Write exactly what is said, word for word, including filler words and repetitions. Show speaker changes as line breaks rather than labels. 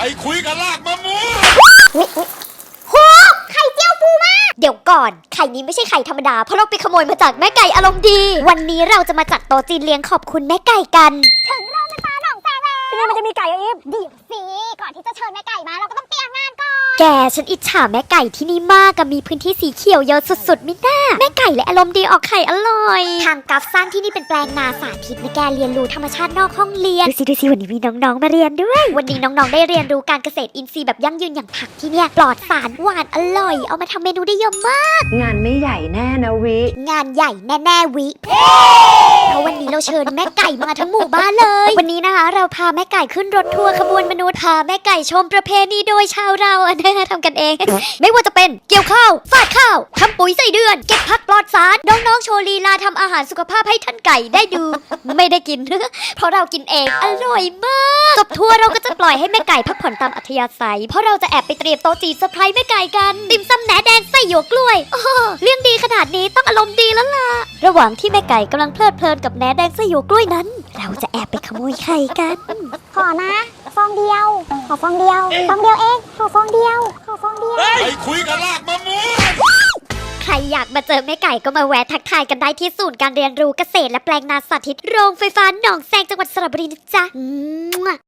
อ้คุยกับลากมะม่วง
โหไข่เจียวปูมากเดี๋ยวก่อนไข่นี้ไม่ใช่ไข่ธรรมดาเพราะเราไปขโมยมาจากแม่ไก่อารมณ์ดีวันนี้เราจะมาจัดโต๊ะจีนเลี้ยงขอบคุณแม่ไก่กันถึงเราในตาหนองแซงแล้วที่นี่มันจะมีไก่อีฟเดี๋ยวสิก่อนที่จะเชิญแม่ไก่มาเราก็ต้องเตรียมงานก่อนแกฉันอิจฉาแม่ไก่ที่นี่มากกับมีพื้นที่สีเขียวเยอะสุดๆมิน่าแม่ไก่และอารมณ์ดีออกไข่อร่อยทางกัฟสร้างที่นี่เป็นแปลงนาสาธิตในแกเรียนรู้ธรรมชาตินอกห้องเรียนดูสิดูสิวันนี้มีน้องๆมาเรียนด้วยวันนี้น้องๆได้เรียนรู้การเกษตรอินทรีย์แบบยั่งยืนอย่างผักที่เนี่ยปลอดสารหวานอร่อยเอามาทำเมนูได้เยอะมาก
งานไม่ใหญ่แน่นะวิ
งานใหญ่แน่ๆวิเพราะวันนี้เราเชิญแม่ไก่มาทั้งหมู่บ้านเลยวันนี้นะคะเราพาแม่ไก่ขึ้นรถทัวร์ขบวนมนุษย์พาแม่ไก่ชมประเพณีโดยชาวเราอันนี้ทำกันเองไม่ว่าจะเป็นเกี่ยวข้าวฝาดข้าวทำปุ๋ยใส่เดือนเก็บผักปลอดสารน้องๆโชว์ลีลาทำอาหารสุขภาพให้ท่านไก่ได้ดูไม่ได้กินเพราะเรากินเองอร่อยมากจบทัวร์เราก็จะปล่อยให้แม่ไก่พักผ่อนตามอัธยาศัยเพราะเราจะแอบไปเตรียมโต๊ะจีนเซอร์ไพรส์แม่ไก่กันติ่มซำแหนแดงไส้หยวกกล้วยโอ้เรื่องดีขนาดนี้ต้องอารมณ์ดีแล้วล่ะระหว่างที่แม่ไก่กำลังเพลิดเพลินกับแหนแดงไส้หยวกกล้วยนั้นเราจะแอบไปขโมยไข่กันขอนะฟองเดียวขอฟองเดียวฟองเดียวเองขอฟองเดียวขอฟองเดียว
ไอ้คุยกับลากมะม่วง
ใครอยากมาเจอแม่ไก่ก็มาแวะทักทายกันได้ที่ศูนย์การเรียนรู้เกษตรและแปลงนาสาธิตโรงไฟฟ้าหนองแซงจังหวัดสระบุรีนะจ๊ะ